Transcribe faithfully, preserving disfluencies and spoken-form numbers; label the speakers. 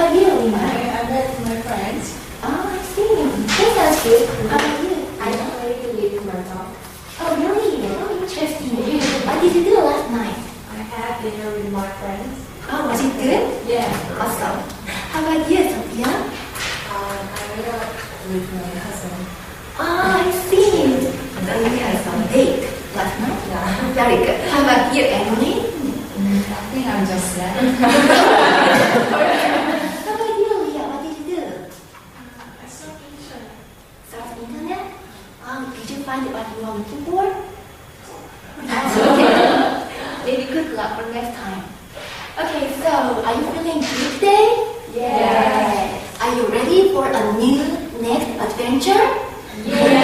Speaker 1: about you, Lina?
Speaker 2: I, I met my friends.
Speaker 1: Oh, I see. That sounds good. How about you?
Speaker 2: I already leave my talk.
Speaker 1: Oh, really? Oh, interesting. What did you do last night?
Speaker 2: I had dinner with my friends.
Speaker 1: Oh, was it good?
Speaker 2: Yeah.
Speaker 1: Awesome. How about you, Sophia?
Speaker 2: Um, I went out with my husband.
Speaker 1: Oh, I see. So you had some date last night?
Speaker 2: Yeah.
Speaker 1: Very good. How about you, Emily?
Speaker 2: I think I'm just sad.
Speaker 1: How about you, Leah? What did you do?
Speaker 2: I saw picture.
Speaker 1: Surf the internet? Um, did you find what you were looking for? Okay. Maybe good luck for next time. Okay, so are you feeling good today?
Speaker 2: Yes.
Speaker 1: Are you ready for a new next adventure?
Speaker 2: Yes.